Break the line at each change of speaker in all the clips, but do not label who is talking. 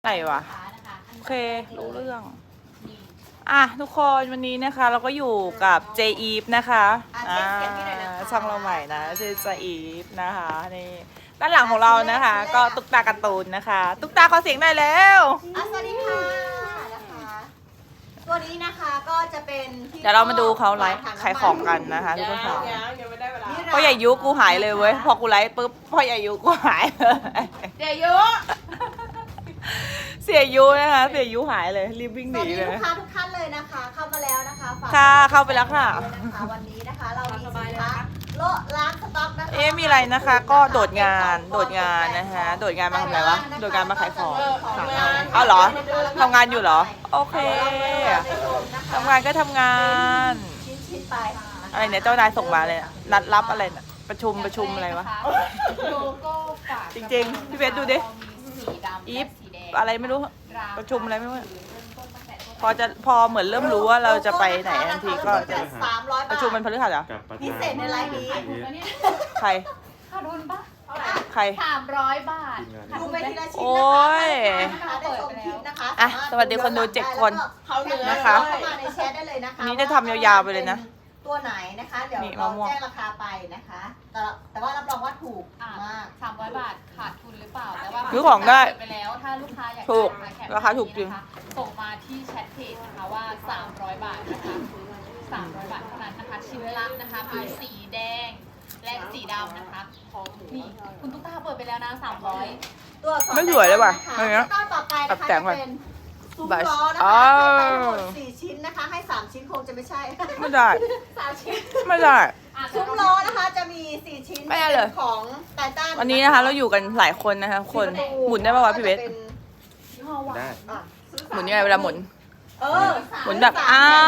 อะไรวะโอเครู้เรื่องอ่ะทุกคนวันนี้นะคะเราก็อยู่กับเจอีฟนะคะช่องเราใหม่นะชื่อเจอีฟนะคะนี่ด้านหลังของเรานะคะ ก็ตุ๊กตาการ์ตูนนะคะ ตุ๊กตาขอเสียงหน่อยแล้ว
สวัสดีค่ะนะคะตัวนี้นะคะก็จะเป็น
เดี๋ยวเรามาดูเขาไลฟ์ขายของกันนะคะทุกคนค่ะพ่อใหญ่ยุกูหายเลยเว้ยพอกูไลฟ์ปุ๊บพ่อใหญ่ยุกูหายเลย
เจยุ
เสียยุนะคะเสียยุหายเลยรีบวิ่งหนีเลย
ลูกค้าทุกท่านเลยนะคะเข้ามาแล้วนะคะ
ค่ะเข้าไปแล้วค่ะ
วันนี้นะคะเรามีสินค้าโละล้างสต็อกนะคะ
มีอะไรนะคะก็โดดงานนะคะโดดงานมาทำอะไรวะโดดงานมาขายของเอาเหรอทำงานอยู่เหรอโอเคทำงานก็ทำงานอะไรเนี่ยเจ้านายส่งมาเลยนัดรับอะไรประชุมอะไรวะจริงๆพี่เบสดูดิอีฟอะไรไม่รู้ประชุมอะไรไม่รู้พอเหมือนเริ่มรู้ว่าเราจะไปไหนทันทีก็จะประชุมมันพฤหัสเหรอ
พิเศษในไลฟ์นี้
ใคร
ขาดทุนปะ
ใคร
300 บาท
ดูไปทีละชิ้น
โอ้ย
อ่ะ
สวัสดีคนดู7 คนนะคะ
มาในแชทได้เลยนะคะ
นี้จะทำยาวๆไปเลยนะ
ตัวไหนนะคะเดี๋ยวเราแจ้งราคาไปนะคะแต่ว่ารับรองว่าถูกมาก
300 บาทขาดทุนหรือเปล่าแต่ว่า
ซื้อของได้
ไปแล้วถ้าลูกค้าอยาก
ถูกราคาถูกจริง
ส่งมาที่แชทเพจนะคะว่า300 บาทนะคะ300 บาทเท่านั้นนะคะชิ้นละนะคะมีสีแดงและสีดำนะคะนี่คุณตุ๊กตาเปิดไปแล้วนะ300
ตัว
ไม่สวยเลยว่ะอะไรเงี้ย
ต่อไปนะคะจะเป็นซุ้มล้อนะคะทั้งหมด4 ชิ้นนะคะให้3 ชิ้นคงจะไม่ใช่
ไม่ได้
3 ชิ้น
ไม่ได้
ซุ้มล้อนะคะจะมี4 ชิ้น
ไม่ได้เลย
ของไททัน
วันนี้นะคะเราอยู่กันหลายคนนะคะคนหมุนได้ป่าวะพี่เบส
ได้
หมุนยังไงเวลาหมุนหมุนแบบ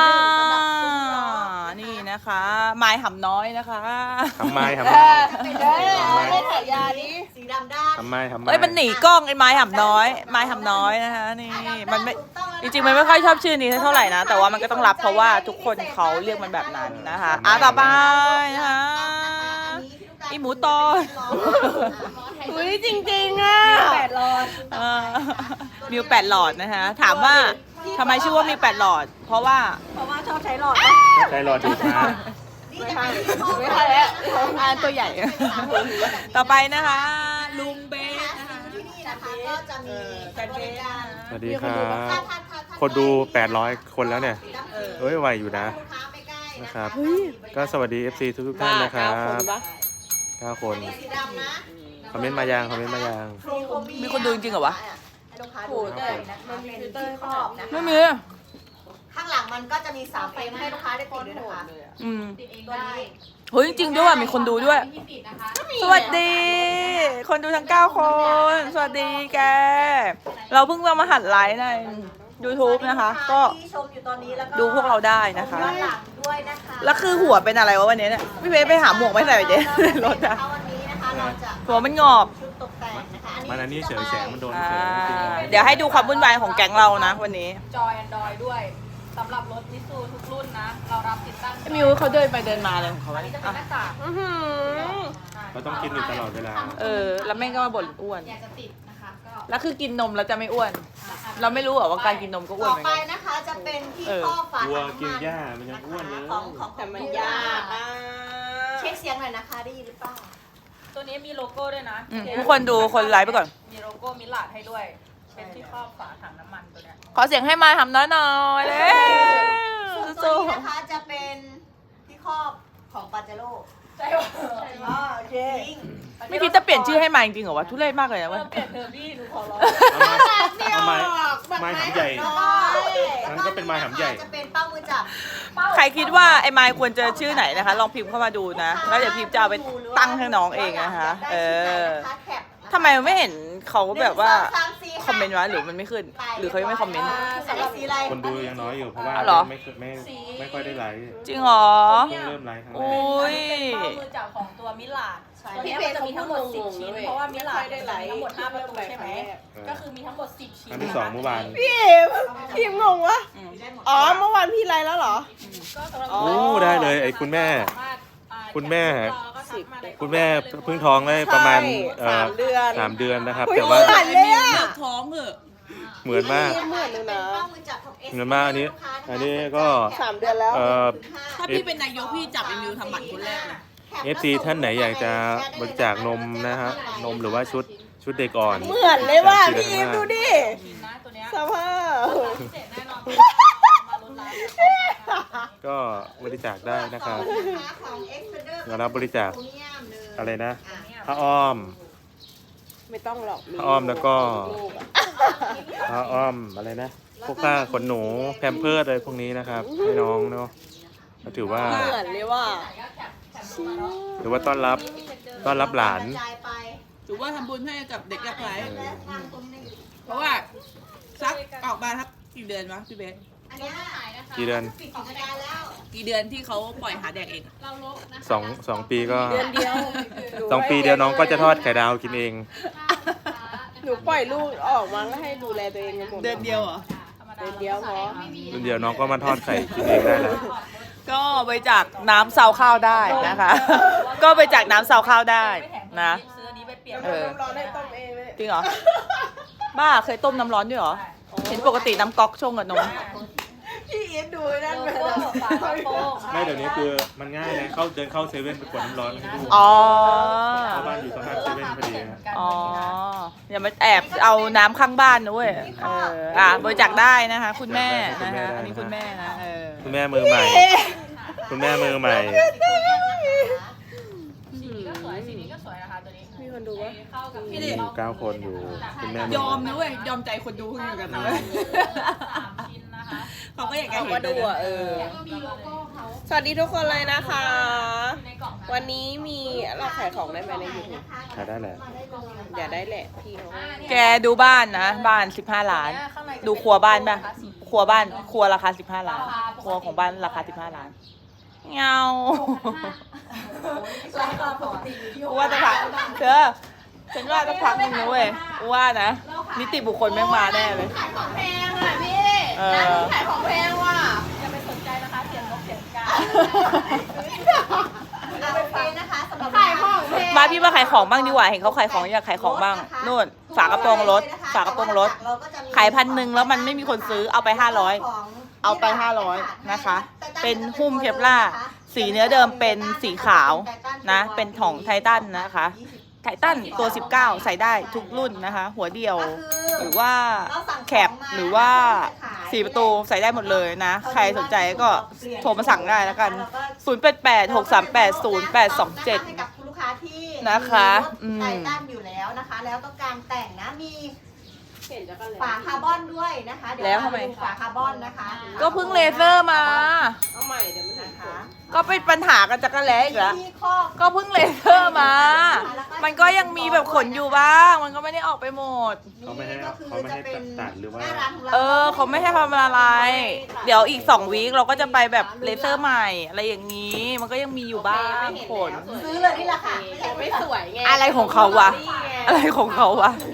นี่นะคะไม้หำน้อยนะคะ
ทำไม
ไม่ถ่ายยานี้สีดำด้าน
ทำไม
มันหนีกล้องไอ้ไม้หำน้อยนะคะนี่มันไม่จริงๆมันไม่ค่อยชอบชื่อนี้เท่าไหร่นะแต่ว่ามันก็ต้องรับเพราะว่าทุกคนเขาเรียกมันแบบนั้นนะคะต่อไปนะคะอีหมูตอนอุ้ยจริงๆอ่ะ
8 หลอด
มิว8 หลอดนะคะถามว่าทำไมชื่อว่ามี8 หลอดเพราะว่า
ชอบใช้หลอด
ใช้หลอดดูช้า
ไม่ใช่
แล้วตัวใหญ่ต่อไปนะคะลุงเบสนะคะ
ที่นี่นะคะก็จะมีบริการ
สวัสดีครับคนดู800 คนแล้วเนี่ยไวอยู่นะครับก็สวัสดี FC ทุกท่านนะครับ9 คนคอมเมนต์มายัง
มีคนดูจริงเหรอวะ
ลูกค้าดูเลยนะมันเป็นที่ครอบนะคะ
ไม่มี
ข้างหลังมันก็จะมี3 เฟรมให้ลูกค้าได้ติดด้วยนะคะ
ติดเองได้
เฮ้ยจริงด้วยมีคนดูด้วยสวัสดีคนดูทั้ง9 คนสวัสดีแกเราเพิ่งมาหัดไลฟ์ใน YouTube นะคะก็ดูพวกเราได้นะคะแล้วคือหัวเป็นอะไรวะวันนี้เนี่ยพี่เบสไปหาหมวกไม่ใส่ไปเจ๊รถอะหัวมันงอก
มันอันนี้เฉยแสงมันโดน
เดี๋ยวให้ดูความวุ่นวายของแก๊งเรานะวันนี้
จอย Android ด้วยสำหรับรถมิซูทุกรุ่นนะเรารับติดตั้ง
มิวเขาเดินไปเดินมาเลยของเขา
อันนี้จะเป็นหน้ากาก
เราต้องกินอยู่ตลอดเวลา
แล้วแม่ก็มาบ่นอ้วน
อยากจะติดนะคะก็
แล้วคือกินนมแล้วจะไม่อ้วนเราไม่รู้หรอว่าการกินนมก็อ้วนเหมือนกัน
ต่อไปนะคะจะเป็นที่ข้อฝา
วัวกินหญ้ามันยังอ้วนเลย
ของแต่มันยากเช็คเสียงหน่อยนะคะได้ยินหรือเปล่า
ตัวนี้มีโลโก้ด้วยนะ
ทุกคนดูคนไลฟ์ไปก่อน
มีโลโก้มิลลาดให้ด้วยเป็นที่ครอบฝาถังน้ำมันตัวเนี้ย
ขอเสียงให้มาทำน้อยๆเลย
ตัวนี้นะคะจะเป็นที่ครอบของปาเจโร่
ใช่
โอเค
ไม่คิดจะเปลี่ยนชื่อให้มาจริงๆเหรอวะทุเรศมากเลยนะ
เปลี่ยนเธอพี่หนูขอร้อง
เอาไม้หำใหญ่นั้นก็เป็นไม้หำใหญ่
จะเป็นเป้ามือจับ
ใครคิดว่าไอ้ไมค์ควรจะชื่อไหนนะคะลองพิมพ์เข้ามาดูนะแล้วเดี๋ยวพิมพ์จะเอาไปตั้งให้น้องเองนะคะทำไมไม่เห็นเขาแบบว่าคอมเมนต์วะหรือมันไม่ขึ้นหรือเขายังไม่คอมเมนต์
คนดูยังน้อยอยู่เพราะว่าไม่ค่อยได้ไลค์
จริงเหรอ
เริ่มไลค์ครั้งแรก
อุ้ย
มือจับของตัวมิลลาดตัวนี้จะมีทั้งหมด10 ชิ้นเพราะว่ามิลลาดมีทั้งหมด5 ประตูใช่ไหมก็คือมีทั้งหมด10 ชิ้น
ครั้งที่2เมื่อวาน
พี่งงวะอ๋อเมื่อวานพี่ไลฟ์แล้วเหรอ
ได้เลยไอ้คุณแม่เพิ่งท้องได้ประมาณ3 เดือนนะครับแต่ว่า
ท้องเหรอ
เหมือนมาก
เหมือนเลยนะ
เหมือนมากอันนี้ก็
3 เดือนแล้ว
ถ้าพี่เป็นนายกพี่จับไอ้มิวทำหมันคนแรกเลย
FC ท่านไหนอยากจะบริจาคนมนะฮะนมหรือว่าชุดเด็กอ่อน
เหมือนเลยว่ะพี่อิมดูดิ
นะตัวเนี้ย
สภาพ
พิเศษแน่นอนมาลุ้นร้าน
ก็บริจาคได้นะครับเดี๋ยวรับบริจาคอะไรนะผ้าอ้อม
ไม่ต้องหรอก
ผ้าอ้อมแล้วก็ผ้าอ้อมอะไรนะพวกผ้าขนหนูแพมเพิร์สอะไรพวกนี้นะครับให้น้องเนาะก็ถือว่า
เหมือนเลยว่ะ
ถือว่าต้อนรับหลาน
หรือว่าทำบุญให้กับเด็กยากไร้เพราะว่าซักออกมาทักกี่เดือนวะพี่เบส
กี่เดือน
กี่เดือนที่เขาปล่อยหาแดกเอง
เราลบนะคะ
สองปีก็
เดือนเดียว
2 ปีเดียวน้องก็จะทอดไข่ดาวกินเอง
หนูปล่อยลูกออกมาก็ให้ดูแลตัวเองกันหมด
เดือนเดียวเหรอ
เดือนเดียวพอ
เดี๋ยวน้องก็มาทอดไข่กินเองได้แล้ว
ก็บริจาคน้ำซาวข้าวได้นะคะ ก็บริจาคน้ำซาวข้าวได้นะ
ซื้ออันนี้ไปเปลี่ยน
เออ
ร้อนให้ต้มเองเลย
จริงเหรอ บ้าเคยต้มน้ำร้อนด้วยเหรอ เห็นปกติน้ำก๊อกชงกับนม
พี่อิมดูนั่นไป
โล
แล้ว
โก้ฝากระโปรง
ไม่เดี๋ยวนี้คือมันง่ายเลยเดินเข้าเซเว่นไปกดน้ำร้อนให้ดู
อ๋อ
เพราะบ้านอยู่ตรงหน้าเซเว่นพอดีนะ
อ๋อ อย่ามาแอบเอาน้ำข้างบ้านนะเว้ย บริจาคได้นะคะ คุณแม่นะคะอันนี้คุณแม่นะ
คุณแม่มือใหม่ คุณแม่มือใหม่
สีนี้ก็สวยสีนี้ก็สวยนะคะตัวนี้
มีคนดูว่า
เข้ากับ
พี่
พี่
ดิ
อยู่9 คนอยู่คุณแม่มื
ย
อ
อ
ให
ม
ม่
นะเว้ย ยอมใจคนดูอยู่กันนะเว้ย
3 ชิ้นนะคะ
เขาก็อยากจะ
เขา
เห็
ก็
น
ดูอ่ะ
แล้วก็มีโลโก้เขา
สวัสดีทุกคนเลยนะคะ
ในกล่องนะ
วันนี้มีเราขายของได้ไหมใน YouTube
ขายได้แหละ
อย่าได้แหละพี่เขา
แกดูบ้านนะ บ้าน 15 ล้าน ดูครัวบ้านป่ะ ครัวบ้าน ครัวราคา 15 ล้าน ครัวของบ้านราคา 15 ล้าน เงา
ราคาปกติอยู่ที่
กูว่าจะพักเธอฉันว่าจะพักนึงนะเว้ยกูว่านะ นิติบุคคลแม่งมาแน่เลย
ขายของแพงอ่ะพี่
เออ
ร้านนี้ขายของแพงว่ะ
อย่าไปสนใจนะคะเสียงนกเสียงกา
โอเคนะคะสำหรับขายของแพง
มาพี่มาขายของบ้างดีกว่า เห็นเขาขายของอยากขายของบ้าง นู่น ฝากระโปรงรถ ฝากระโปรงรถ ขาย1,000แล้วมันไม่มีคนซื้อ เอาไป 500 เอาไป 500 นะคะ เป็นหุ้มเคปล่าร์สีเนื้อเดิมเป็นสีขาวนะ เป็นของไททันนะคะ ไททันตัว 19 ใส่ได้ทุกรุ่นนะคะ หัวเดียว หรือว่าแคปหรือว่า4 ประตูใส่ได้หมดเลยนะ ใครสนใจก็โทรมาสั่งได้แล้วกัน 0886380827
ให้กับคุณลูกค้าที่
นะคะ
มีรถไททันอยู่แล้วนะคะ แล้วต้องการแต่งนะมี
เห็นจะกันเลย
ฝาคาร์บอนด้วยนะคะเดี๋ยว
แล้วทำไม
าดูฝาคาร์บอนนะคะ
ก็เพิ่งเลเซอร์มา
เอาใหม่เดี๋ยวมันถึง
นะคะ
ก็เป็นปัญหากันจักรแล้อีกแล้ว
ที่ครอบ
ก็เพิ่งเลเซอร์มา มันก็ยังมีแบบขนอยู่บ้าง มันก็ไม่ได้ออกไปหมด
เขาไม่ให้
ก็คือ
เขาไม่ให้
จะเป็น
ตัดหรือว่า
น้ร้นขงร
เขาไม่ให้ทำอะไร เดี๋ยวอีก2 วีคเราก็จะไปแบบเลเซอร์ใหม่ อะไรอย่างนี้ มันก็ยังมีอยู่บ้างขน
ซื้อเลยนี่แหละค่ะ
ไม่สวยไง
อะไรของเขาวะ
นี่ไง
อะไรของเขาวะ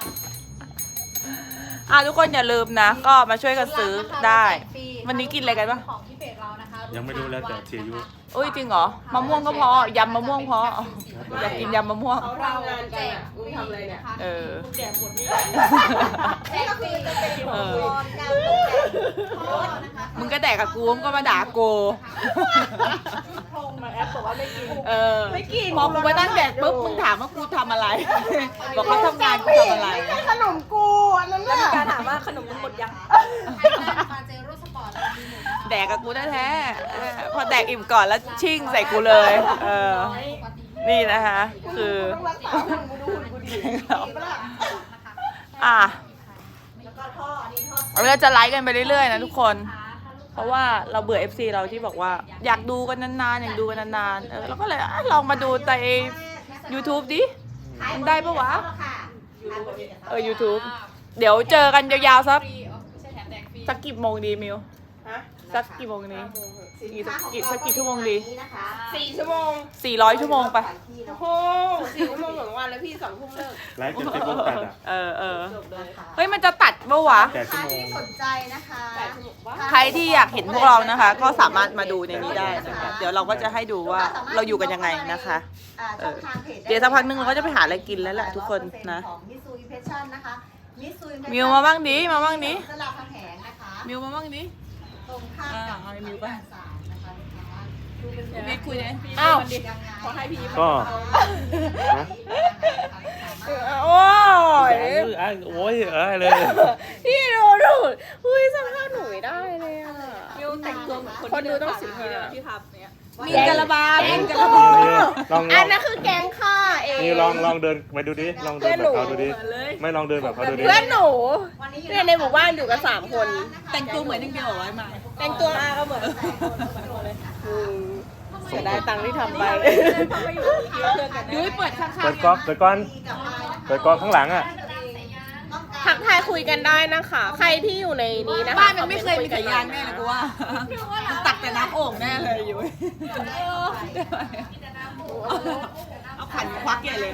ทุกคนอย่าลืมนะ ก็มาช่วยกันซื้อได้ วันนี้กินอะไรกันปะ
ของที่เพจเรานะคะ
ยังไม่รู้แล้วแต่เชียร์ยุ
อุ้ยจริงเหรอ มะม่วงก็พอยำมะม่วงพออยากกินยำมะม่วง
เขาทำงานแจกมึงทำอะไรเนี่ย
เออ
แจกหมดนี่
นี่ก็คือจะเป็นอุปกรณ์การตกแต่งรถนะคะ
มึงก็แดกกับกูมึงก็มาด่ากู
ทงมาแอปบอกว่าไม่กิน
เออไม่กินพอกูมานั่งแดกปุ๊บมึงถามว่ากูทำอะไร บอกเขาทำงานกูทำอะไร
ขนมกูอันนั้นน่ะ
การถามว่าขนมมันหมดยัง
ปาเจโร่สปอร์ตเรามีหนึ่งนะคะ
แดกกับกูแท้ๆพอแดกอิ่มก่อนแล้วชิ่งใส่กูเลย นี่นะคะ คือ
ต้องรักษาหุ่นกูดูหุ่นกูดี
อ่ะ
แล้วก็ท่ออันนี้ท่อ
เราจะไลฟ์กันไปเรื่อยๆนะทุกคน เพราะว่าเราเบื่อ FC เราที่บอกว่าอยากดูกันนานๆอยากดูกันนานๆเราก็เลยลองมาดูใน YouTube ดิ มันได้ปะวะ YouTube เดี๋ยวเจอกันยาวๆสัก
ฟรีไม่ใช่แถมแดกฟรี
สักกี่โมงดีมิว
ฮะ
สักกี่โมงนี้ สักกี่ชั่วโมงดี
4 ชั่วโมง
400 ชั่วโมงไป
โอ้โห4 ชั่วโมงเหมือนวันแล้วพี่2 ทุ่มเลิก
ไลฟ์จนเฟซบุ๊กตัดอ่ะ
จบเลย
เฮ้ยมันจะตัดปะวะ
8 ชั่วโมง
ที่สนใจนะคะ
8 ชั่วโมงว่า
ใครที่อยากเห็นพวกเรานะคะ ก็สามารถมาดูในนี้ได้นะคะเดี๋ยวเราก็จะให้ดูว่าเราอยู่กันยังไงนะคะ
ช่องทางพจ
เดี๋ยวสักพักนึงเราก็จะไปหาอะไรกินแล้วแหละทุกคนนะ
ของ Mitsui Impression นะคะมิซุย
มิวมาบ้างดิมาบ้างดิ
สลับแผงนะคะ
มิวมาบ้างดิ
ตรงข้ามกับ
เอามิวไป
ศาลนะคะดูเป็น
ไม่คุยเลย
อ้าว
ยังไง
ขอให้พี่
ก็
โอ้ย
โอ้ยเลย
พี่ดูอุ้ยสภาพหนูไม่ได้เลยอ่ะมิวแต่งตัวเหมือนคนดูต้องสิบทีเลยที่ทับเนี่ย
มีกะละบา
แกง
กะละบา
ลอง
อันนั้นคือแกงข้าเอง
นี่ลองเดินไปดูดิลองเดินแบบเขาดูดิไม่ลองเดินแบบเขาดูดิ
เพื่อนหนูเนี่ยในหมู่บ้านอยู่กัน3 คน
แต่งตัวเหมือนนึงเดียวเหรอไว้มา
แต่งตัวมาก็เหมือนเสียดายตังค์ที่ทำไป
ยุ้ยเปิดข้าง
เปิดก๊อกเปิดก้อนเปิดก๊อกข้างหลังอ่ะ
ทักทายคุยกันได้นะคะ ใครที่อยู่ในนี้นะคะ
บ้านมันไม่เคยมีสายยางแน่เลยกูว่ามันตักแต่น้ำโอ่งแน่เลยยุ้ยเอาขันควักใหญ่เลย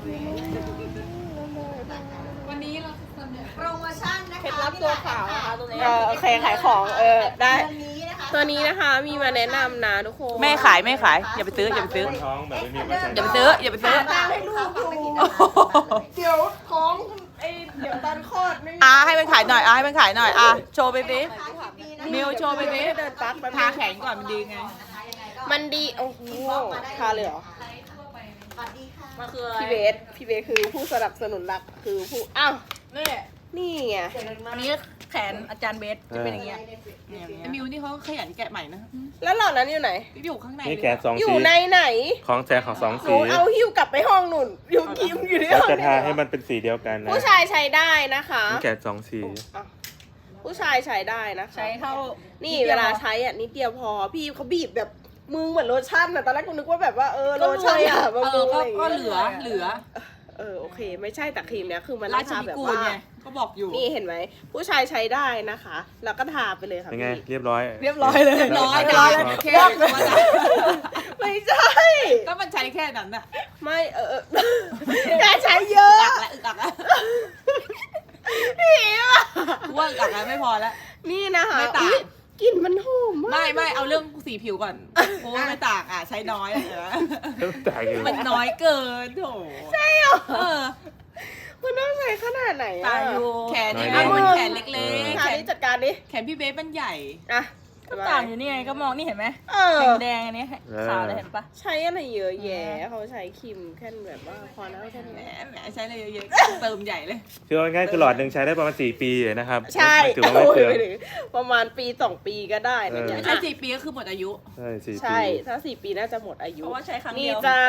วันนี้เราเสนอ
โปรโมชั่นนะคะ
เคล็ดลับตัวขาวนะคะตรงนี้โอเคขายของได้ ตัวนี้นะคะมีมาแนะนำนะทุกคน
ไม่ขายอย่าไปซื้ออย่าไปซื้อ
คนท้องแบบไม่มีไว้ใช้
อย่าไปซื้ออย่าไปซื้อ
ตามให้ลูกอยู่
เดี๋ยวของเดี๋ยวตอนคลอดไม่มี
ให้มันขายหน่อยให้มันขายหน่อยโชว์ไปสิมิวโชว์ไปสิ
เดินปักไป
ทาแขนก่อนมันดีไง
มันดีโอ้โหทาเลยเหรอ
สวัสดีค่ะ
มันคือ
พี่เบสคือผู้สนับสนุนหลักคือผู้อ้าว นี่ไง
อันนี้แขนอาจารย์เบสจะเป็นอย่างเงี้ยไอ้มิวนี่เขาขยันแกะใหม่นะ
แล้วเหล่านั้นอยู่ไหน
อยู่ข้างใน
นี่แกะสอง
อยู่
สี
ในไหน
ของแจกของสอง
หนู
สี
เอาหิ้วกลับไปห้องหนุนอยู่กิมอยู่ที่
เรา
ห้อง
จะทาให้มันเป็นสีเดียวกันนะ
ผู้ชายใช้ได้นะคะ
นี่แกะสองสี
อ้าวผู้ชายใช้ได้นะคะ
ใช้เข้า
นี่เวลาใช้อ่ะนิดเดียวพอพี่เขาบีบแบบมึงเหมือนโลชั่นอ่ะตอนแรกกูนึกว่าแบบว่าโลชั่นอ่ะบำรุงอะไรอย่าง
ก็
เงี้ย
เหลือ
โอเค ไม่ใช่แต่ครีมเนี้ยคือมัน
ราช
ทา
นิ
แบบ
กูล
ว่า
ไงก็บอกอยู่
นี่เห็นไหมผู้ชายใช้ได้นะคะ แล้วก็ทาไปเลยค่ะ
เป็นไง
พี่
เรียบร้อย
เรียบร้อยเลย
ร้อย
เรียบ
ร้
ร้
อ
อย ย
แค่ว่าจะ
ไม่ใช่
ก็มันใช้แค่นั้นน่ะ
ไม่อย่าใช้เยอะ
อึกอักแล้ว
พี่ว่ะ
ว่าอึกอักแล้วไม่พอแล้ว
นี่นะคะ
ไม่ต่าง
อุ๊ยกลิ่นมันหอมมาก
ไม่เอาเรื่องสีผิวก่อนโอ้ไม่ต่างใช้น้อย
แต่อยู่
มันน้อยเกินโถใช่หรอ
มันต้องใช้ขนาดไหน
ตา
อ่ะ
ยอยู่แขนนี่
อ่ะ
มันแขนเล็กๆ
ทานี้จัดการดิ
แขนพี่เบสมันใหญ่
อ่ะ
ก็ต่างอยู่นี่ไงก็มองนี่เห็นไหม
เออ
แดงๆอันนี้ขาวเลยเห็นปะ
ใช้อะไรเยอะแยะเขาใช้ครีมแค่แบบว่าพอแล้วแค่
แหม
นี้
ใช้อะไรเยอะๆเติมใหญ่เลย
คือเอาง่ายๆคือหลอดหนึ่งใช้ได้ประมาณ4 ปีนะครับ
ใช่
ถือว่าไม่เปลือง
โอ้ยไปถึงประมาณปี2 ปีก็ได้นะเนี่ย
ใช้4 ปีก็คือหมดอายุ
ใช่4 ปี
ใช่ถ้า4 ปีน่าจะหมดอายุ
เพราะว่าใช้ครั้ง
นี่
เดียว
จ้า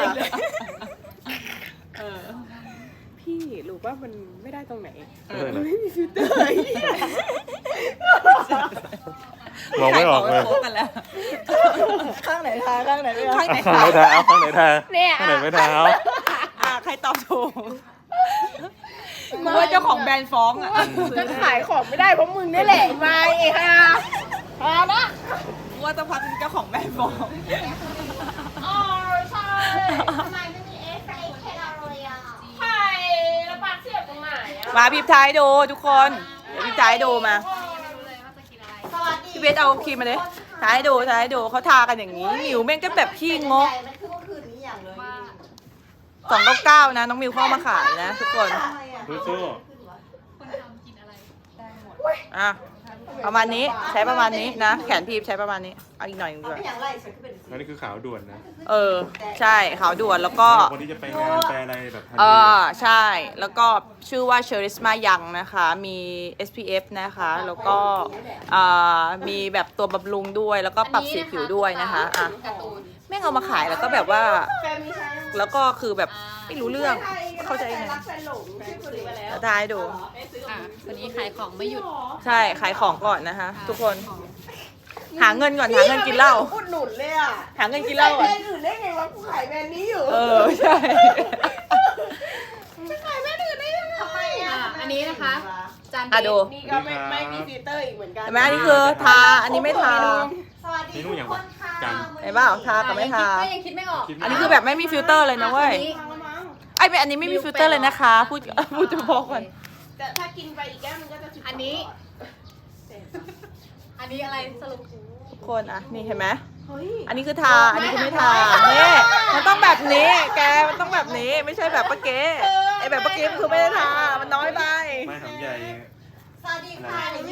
เออ
พี่รู้ว่ามันไม่ได้ตรงไหน
เออ
มันไม่มีฟิลเตอร์ไอ้เหี้ย
มองไม่ออกเลย
โคกันแล้ว
ข้างไหนทาข้างไหนไม่ทา
ข้างไหน
ข้างไหนทาเอาข้างไหนทา
เนี่ย
ข้างไหนไม่ทาเอา
ใครตอบถูกกูว่าเจ้าของแบรนด์ฟ้องอ่ะ
จะขายของไม่ได้เพราะมึงนี่แหละมาไอ้ห่าพานะ
กูว่าต้องพักเจ้าของแบรนด์ฟ้อง
อ๋อใช่ทำไมไม่มีเอสไอแค่เลยอ่ะใช่แล้วปากเสียบตรงไหนอ่ะ
มาพิมพ์ท้ายดูทุกคนเดี๋ยวพิมพ์ท้ายดูมา
สวัสดี
พี่เบสเอาครีมมาเลยท้ายดูเขาทากันอย่างนี้มิวแม่งก็แบบพี่งก
มันคือเมื่อคืนนี้อย่างเลย
299นะน้องมิวเข้ามาขายนะทุกคน
สู้
คนทำกินอะไรได้หมด
อ่ะประมาณนี้ใช้ประมาณนี้นะแขนพีบใช้ประมาณนี้เอาอีกหน่อยหนึงด้วย
ไม่อย่างไรฉันก็เป็น
ๆอันนี้คือขาวด่วนนะ
ใช่ขาวด่วนแล้วก็
คนที่จะไปงานไปอะไรแบบทันที
ใช่แล้วก็ชื่อว่า Charisma Young นะคะมี SPF นะคะแล้วก็มีแบบตัวบำรุงด้วยแล้วก็ปรับสีผิวด้วยนะคะอ่ะ
การ์ตูน
แม่งเอามาขายแล้วก็แบบว่า
แฟนมีใช้
แล้วก็คือแบบไม่รู้เรื่องเข้าใจไง
รักแฟนหลงชื่อคนนี้มาแล้ว
แล้วท้ายดู
วันนี้ขายของไม่หยุด
ใช่ขายของก่อนนะคะ ทุกคนหาเงินก่อนหาเงินกินเหล้า
อุดหนุนเลยอ่ะ
หาเงินกินเหล้า
แบร
อ่ะ
นด์อื่นได้ไงวะกูขายแบรนด์นี้อยู่
ใช่
จะขายแบรนด์อื่นได้ยังไง
ทำไมอ่ะ
อันนี้นะคะจาน
ดู
นี่ก็ไม่มีฟิลเตอร์อีกเหมือนกัน
เห็นไหมอันนี้คือทาอันนี้ไม่ทา
สวัสดีทุกคนค่ะ
เห็นเปล่าทากับไม่ทา
ยังคิดไม่ออก
อันนี้คือแบบไม่มีฟิลเตอร์เลยนะเว้ย
ฟังแล้วมั้ง
ไอ้ไม่อันนี้ไม่มีฟิลเตอร์เลยนะคะ พูดจะบอกก่อน
แต่ถ้ากินไปอีกแก้วมันก็จะ12
อันนี้ อันนี้อะไรสรุป
ทุกคนอ่ะนี่เห็นไหม
เฮ้ย
อันนี้คือทาอันนี้คือไม่ทานี่มันต้องแบบนี้แกมันต้องแบบนี้ไม่ใช่แบบป้าเก๋ไอ้แบบป้าเก๋มันคือไม่ได้ทามันน้อยไป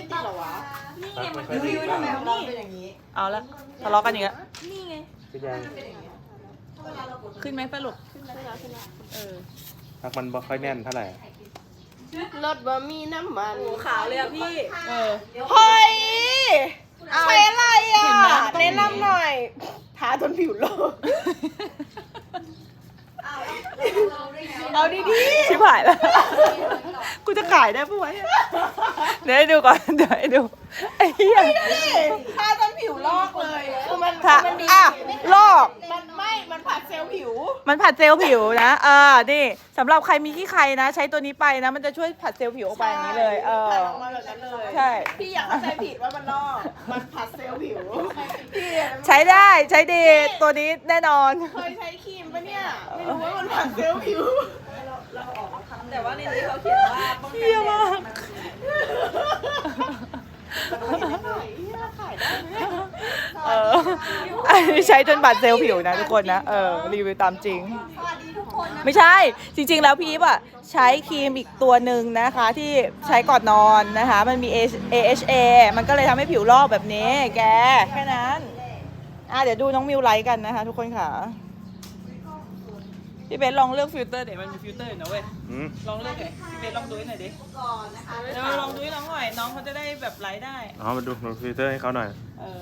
ติดเหรอวะ
นี่ไงมัน
ไม่ค่อยดี
ทำไมของเราเป็นอย่างนี้
เอาละทะเลาะกันอีกแล้ว
นี่ไง
พี่ยัง
ขึ้นไหมสรุป
พักมันบ่ค่อยแน่นเท่าไหร่
รถบะหมี่น้ำมัน
ขาวเลยอะพี่
เออ
เฮ้ยใช้อะไรอ่ะ
เห็นไหม
แนะนำหน่อยทาจนผิวโลกเอาดี
ชิบหายแล้ว กูจะขายได้ปะวะเนี่ยเดี๋ยวให้ดูก่อน เดี๋ยวให้ดู ไอ้เหี้ย
ๆทาจนผิวลอกเลยคือมัน
ถ้า
มันดี
อ่ะลอก
มันผัดเซลล์ผิว
มันผัดเซลล์ผิวนะนี่สำหรับใครมีขี้ใครนะ ใช้ตัวนี้ไปนะ มันจะช่วยผัดเซลล์ผิวออกไปอย่างนี้เลย
ผัดออกมาแบบนั้นเลย
ใช่
พี่อยากเข้าใจผิดว่ามันลอก มันผัดเซลล์ผิวพี่
ใช้ได้ ใช้ดี ตัวนี้แน่นอน
เคยใช้ครีมปะเนี่ย ไม่รู้ว่ามันผัดเซลล์ผิว
แต่ว่าในนี้เขาเขียนว่าป้องกัน
เหี้ย
แด
มาก
ด
อันนี้ใช้จนบาดเซลล์ผิวนะทุกคนนะ รีวิวตามจริง ไม่ใช่ จริงๆ แล้วพี่อีฟอ่ะใช้ครีมอีกตัวหนึ่งนะคะ ที่ใช้ก่อนนอนนะคะ มันมี AHA มันก็เลยทำให้ผิวลอกแบบนี้ แก แค่นั้นเดี๋ยวดูน้องมิวไลท์กันนะคะ ทุกคนค่ะ พี่เบสลองเลือกฟิลเตอร์เดี๋ยวมันมีฟิลเตอร์อยู่นะเว้ย
อืม
ลองเลือกเลยพี่เบสลองดูให้หน่อยดิ
ก่อนนะคะ
เดี๋ยวลองดูให้น้องหน่อย น้องเขาจะได้แบบไลท์ได้
เอามาดูฟิลเตอร์ให้เขาหน่อย
เออ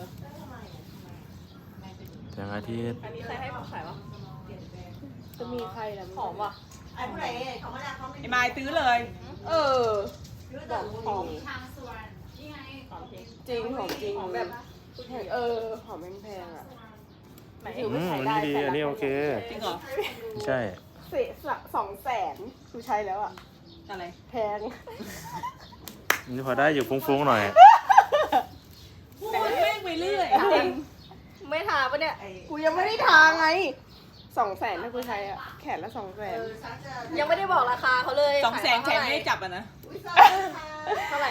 แสงอาทิตย์
อันนี้ใครให้ของขายวะ
จะมีใครล่ะ
หอมว่ะ
ไอ้ผู้ใดเขาไม่ได้เขาไม่
ไอ้ไม้ตื้อเลย
เออ
ซื้อดอก
หอม
ทางสวนนี่ไง
จริงหอมจริง
หอมแบบ
เออหอมแพงๆอ่ะ
ไหน
ถือ
อื
ว่าม ใช้
อัน
ได้
นี้ดี อันนี้โอเค
จริงเหรอ
ใช่
เสีย200,000กูใช้แล้วอ่ะ
อะไร
แพง
นี่พอได้อยู่ฟุ้งๆหน่อย
พูดแม่งไปเรื่อย
จริงไม่ทาปะเนี่ย
กูยังไม่ได้ทาไง200,000ถ้ากูใช้อ่ะแขนละ200,000
ยังไม่ได้บอกราคาเขาเลย
200,000แขนไม่ได้จับอ่ะนะ
เท่าไหร่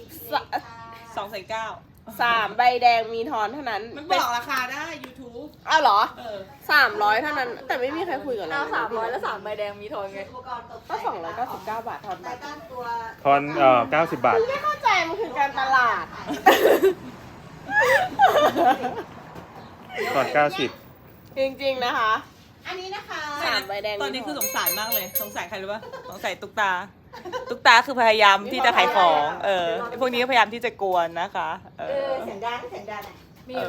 2,900,000
3ใบแดงมีทอนเท่านั้น
มันบอกราคาได้ YouTube
อ้าวเหรอ
เออ
300เท่านั้น แต่ไม่มีใครคุยกับเรา
เอา300แล้ว3ใบแดงมีทอนไง
อุปกรณ์ตก
ก็299 บาททอน
แต่
บัตร
ตั้งตัว
ทอน90 บาท
ไม่เข้าใจมันคือการตลาด
ทอน90
จริงๆนะคะ
อันนี้นะคะ
3ใบแดงมี
ตอนนี้คือ
ท
สงสารมากเลย สงสารใครรู้ป่ะ สงสารตุ๊กตา ตุ๊กตาคือพยายามที่จะขายของ ไอ้พวกนี้ก็พยายามที่จะกวนนะคะ
เสียงดังเสียงดังอ่ะ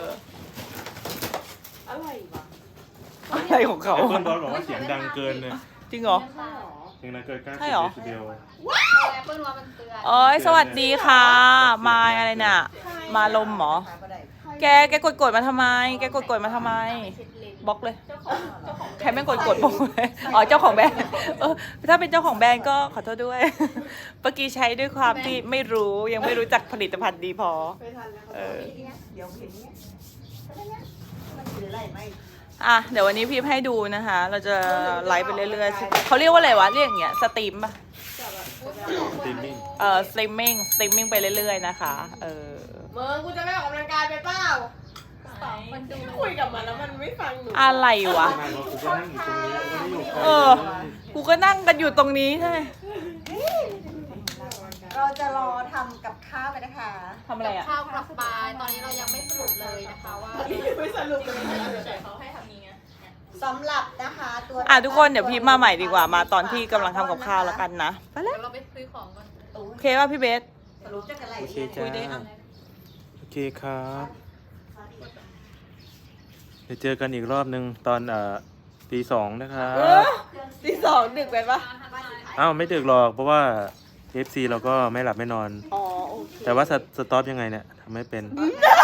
อะไรวะ
อะไรของเขา
เพื่อนบอสบอกว่าเสียงดังเกินเนี่ย
จริงเหรอ
เสียงดังเกิน
ใช่เหรอ
90 เดซิเบล
แอปเปิลว่ามันเตือน
โอ้ยสวัสดีค่ะ มายอะไรน่ะ มาลมเหรอ แกกดมาทำไม แกกดมาทำไม บล็อกเลย ใครแม่งกดบล็อกเลยอ๋อ เจ้าของแบรนด์ถ้าเป็นเจ้าของแบรนด์ก็ขอโทษด้วย เมื่อกี้ใช้ด้วยความที่ไม่รู้ ยังไม่รู้จักผลิตภัณฑ์ดีพอ
ไม่ทันแล้ว
เออ
เดี๋ยวเห็นเนี้ยมันคืออะไรไม่
เดี๋ยววันนี้พี่ให้ดูนะคะ เราจะไลฟ์ไปเรื่อยๆเขาเรียกว่าอะไรวะ เรียกอย่างเงี้ย สตรีมป่ะ
สตรีมมิ่ง
สตรีมมิ่งไปเรื่อยๆนะคะ
มึงกูจะไม่ออกกำลังกายไปเปล่า
มันดู
คุยกับมันแล้วมันไม่ฟังหนู
อะไรวะ
มาบอกกูก็นั่งอยู่ตรงนี้ไม่ได้อยู่ไกล
เออ กูก็นั่งกันอยู่ตรงนี้ใช่ไหม
เราจะรอทำกับข้าวไปนะคะ
ทำอะไรอ่ะ
ข้าวกลับปลายตอนนี้เรายังไม่สรุปเลยนะคะว่า
ไม่สรุปเลย
เขาให้ทำนี้ไง
สำหรับนะคะตัว
ทุกคนเดี๋ยวพี่มาใหม่ดีกว่า มาตอนที่กำลังทำกับข้าวแล้วกันนะ ไปแล้ว
เดี๋ยวเราไปซื้อของก่อน
โอเคป่ะพี่เบส
สรุปจะอะไร
โอเค
เนี่ย
จ้า
คุยได้อ่ะ
โอเคครับเดี๋ยวเจอกันอีกรอบนึงตอนตี 2นะครับ
ตีสองดึกไปปะ
อ้าวไม่ดึกหรอกเพราะว่า FC เราก็ไม่หลับไม่นอน
อ๋อโอเค
แต่ว่าสต็อปยังไงเนี่ยทำไม่เป็น
ได้